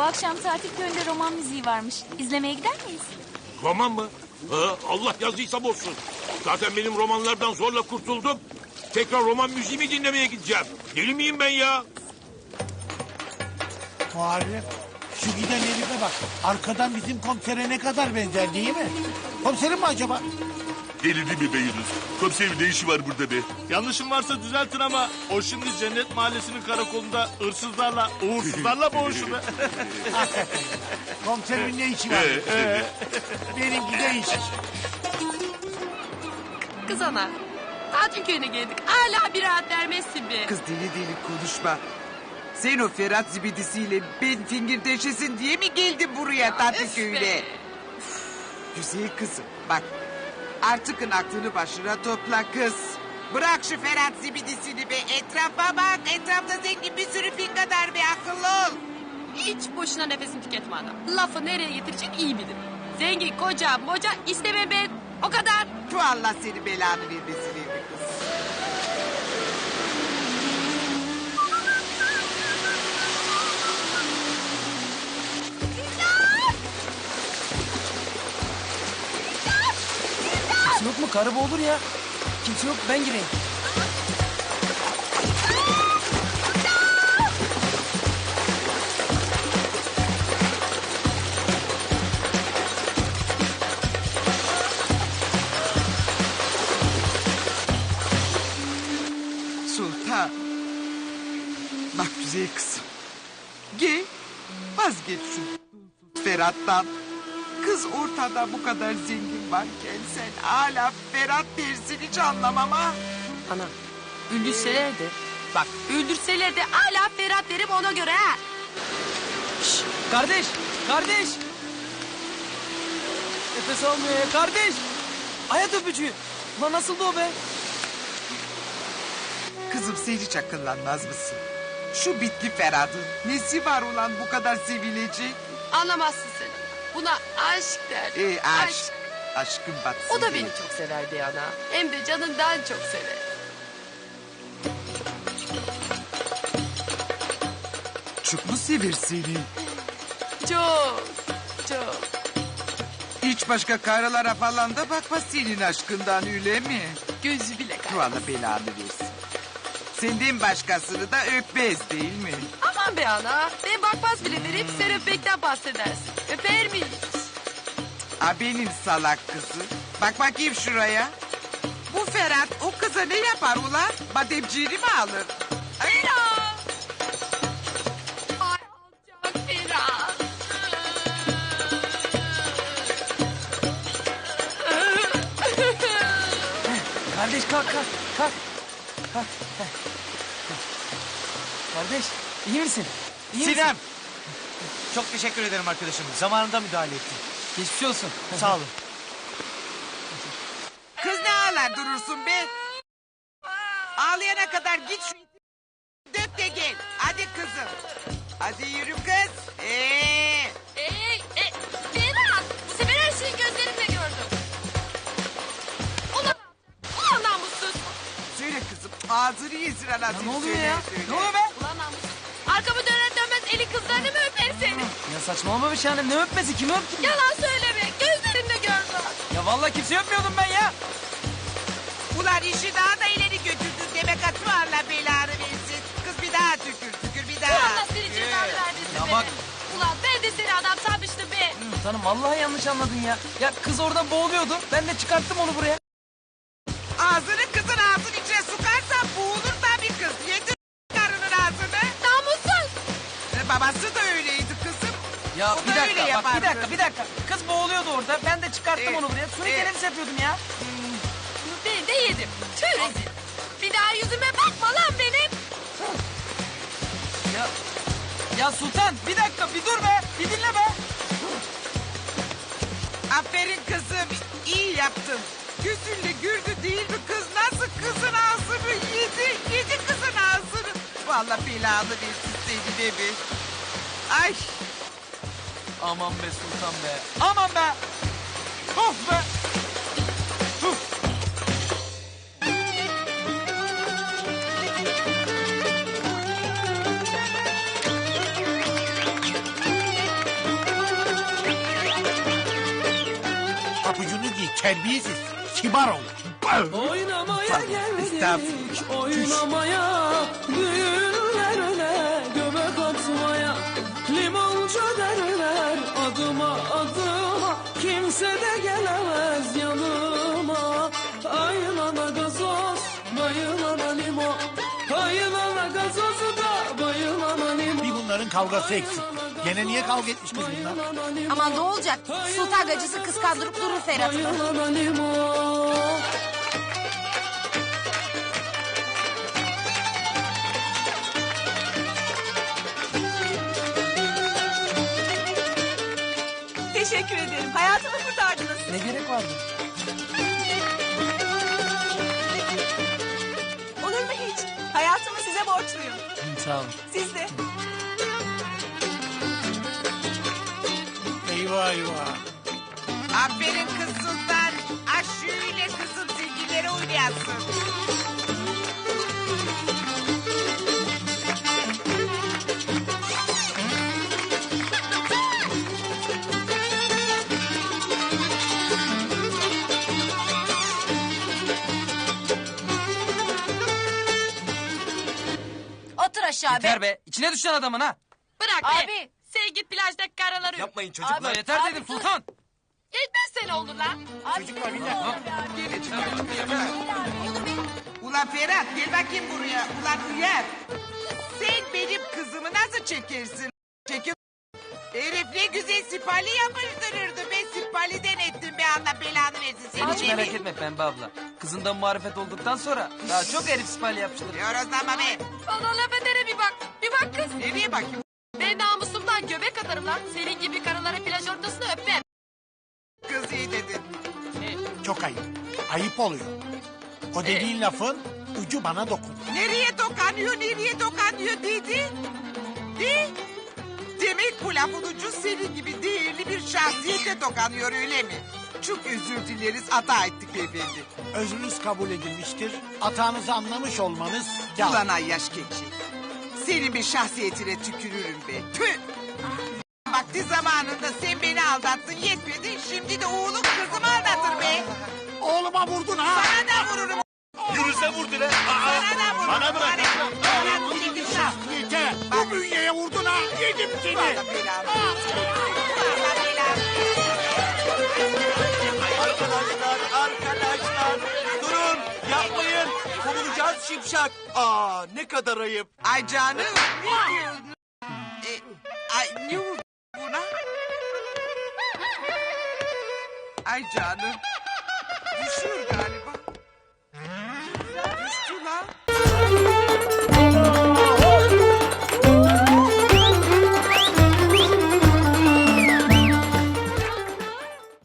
akşam tatil köyünde roman müziği varmış. İzlemeye gider miyiz? Roman mı? Ha, Allah yazıysa bozsun. Zaten benim romanlardan zorla kurtuldum. Tekrar roman müziği mi dinlemeye gideceğim? Deli miyim ben ya? Muharrem, şu giden herife bak. Arkadan bizim komisere ne kadar benzer değil mi? Komiserim mi acaba? Delirdi mi be Yunus? Komiserin ne işi var burada be? Yanlışım varsa düzeltin ama o şimdi Cennet Mahallesi'nin karakolunda hırsızlarla, uğursuzlarla boğuşuyor. Komiserimin ne işi var? Benimki de iş. Kız ana. Tatil köyüne geldik. Hala bir rahat vermezsin be. Kız deli deli konuşma. Sen o Ferhat zibidisiyle ben fingirdeşesin diye mi geldin buraya tatil Üf köyüne? be. Güzel kızım bak. Artıkın aklını başına topla kız. Bırak şu Ferhat zibidisini be. Etrafa bak. Etrafta zengin bir sürü fingadar be. Akıllı ol. Hiç boşuna nefesini tüketme ana. Lafı nereye getirecek iyi bilir. Zengin, koca, moca isteme ben. O kadar. Tu Allah seni belanı vermesin be kız. Kimse yok mu? Karı olur ya. Kimse yok, ben gireyim. Sultan. Bak güzel kızım. Gel vazgeç şu Ferhat'tan. Kız ortada bu kadar zengin varken sen hala Ferhat dersin hiç anlamam ha. Ana öldürseler de bak öldürseler de hala Ferhat derim ona göre ha. Şşş, kardeş, kardeş. Nefes almıyor ya, kardeş. Hayat öpücüğü. Lan nasıldı o be? Kızım sen hiç akıllanmaz mısın? Şu bitli Ferhat'ın nesi var ulan bu kadar sevilecek? Anlamazsın sen. Buna aşk der. Aşk. Aşkın batsın. O da diye. beni çok sever be ana. Hem de canından çok sever. Çok mu sever seni? Çok, çok. Hiç başka karılara falan da bakma senin aşkından öyle mi? Gözü bile Tu kayar. Allah belanı versin. Senden başkasını da öpmez değil mi? Aman be ana. Ben bakmaz bile derim sen öpmekten bahsedersin. Öper miyiz? Benim salak kızı. Bak bakayım şuraya. Bu Ferhat o kıza ne yapar ulan? Bademciğini mi alır? Ay, Ay alacak Ferhat. Kardeş kalk, kalk, kalk. Kalk. Heh. Kardeş, iyi misin? İyi misin? Sinem. Çok teşekkür ederim arkadaşım. Zamanında müdahale ettin. Geçmiş olsun. Sağ olun. kız ne ağlar durursun be? Ağlayana kadar git şu dök de gel. Hadi kızım. Hadi yürü kız. Ferhat. Bu sefer her şeyi gözlerimle gördüm. Ulan namussuz. Söyle kızım. Ağzını yesin anasını. Ne oluyor söyle, ya? söyle. Ne oluyor be? Ulan namussuz. Arkamı döner dönmez eli kızlarını mı öper seni? Ya saçmalama bir şey annem. Ne öpmesi? Kimi öptün? Yalan söyleme. Gözlerimle gördüm. Ya vallahi kimse öpmüyordum ben ya. Ulan işi daha da ileri götürdün demek atı Allah belanı versin. Kız bir daha tükür bir daha. Allah seni cezanı vermesin Ya be. bak. Ulan ben de seni adam sanmıştım be. Sultanım vallahi yanlış anladın ya. Ya kız orada boğuluyordu. Ben de çıkarttım onu buraya. Ağzını kızın ağzının içine sokarsan boğulur tabii kız. Yedir karının ağzını. Namussuz. Babası da öyleydi kızım. Ya O bir da öyle dakika bak yapardı. bir dakika. Kız boğuluyordu orada. Ben de çıkarttım onu buraya. Suni teneffüs yapıyordum ya. Ben de yedim. Tüh rezil. Bir daha yüzüme bakma lan benim. Ya Sultan bir dakika bir dur be. Bir dinle be. Aferin kızım. İyi yaptın. Gözünle gördü değil mi kız? Nasıl kızın ağzını yedi. Yedi kızın ağzını. Vallahi belanı versin seni de bir. Ay. Aman be Sultan be. Aman be. Of be. papucunu giy terbiyesiz. Kibar ol. Oynamaya geldik, Estağfurullah. oynamaya, düğünlerine göbek atmaya. Limoncu derler adıma adıma, kimse de gelemez yanıma. Ayılana gazoz, bayılana limon, ayılana gazozu da bayılana limon. Bir bunların kavgası eksik. Gene niye kavga etmiş kız bunlar? Aman ne olacak? Sultan gacısı kıskandırıp durur Ferhat'ı. Bayılana limon. Teşekkür ederim. Hayatımı kurtardınız. Ne gerek vardı? Olur mu hiç? Hayatımı size borçluyum. Sağ olun. Siz de. Eyvah eyvah. Aferin kız Sultan. Şöyle kızım zengilere oynayasın. Otur aşağı Yeter be. İçine düşen adamın ha. Bırak be. Abi. Sen git plajdaki karaları öp. Yapmayın çocuklar. Abi, Yeter abi, dedim dur. Sultan. Etmez seni olur lan. Çocuklar bir dakika. Ulan Ferhat gel bakayım buraya. Ulan Hıyar. Sen benim kızımı nasıl çekersin? Çekil. Herif ne güzel sipali yapıştırırdı. Ben sipaliden ettim be, Allah belanı versin seni. Sen hiç merak etme Pembe abla. Kızından marifet olduktan sonra daha çok herif sipali yapıştırır. Yorozlama be. Bana laf edere bir bak. Bir bak kız. Nereye bakayım? Ben namusumdan göbek atarım lan. Senin gibi karıları plaj ortasında öpmem. Kız iyi dedin. Çok ayıp. Ayıp oluyor. O dediğin lafın ucu bana dokun. Nereye dokanıyor dedi? De? Demek bu lafın ucu senin gibi değerli bir şahsiyete dokanıyor öyle mi? Çok özür dileriz, hata ettik beyefendi. Özrünüz kabul edilmiştir. Hatanızı anlamış olmanız kâr. Ulan ayyaş keçi. Senin bir şahsiyetine tükürürüm be. Tüh! Vakti zamanında sen beni aldattın yetmedi. Şimdi de oğlum kızımı aldatır be. Oğluma vurdun ha. Sana da vururum. Yürüse vurdu lan. Sana da vururum. Bana bırak. Bana çekil lan. Yeter. Bu bünyeye vurdun ha. Yedim seni. Vallahi belanı. Vallahi belanı. Arkadaşlar durun yapmayın. Kovulacağız şimşak. Ne kadar ayıp. Ay canım. Ne diyorsun? Ay ne oldu buna? Ay canım. Düşüyor galiba. Düştü lan.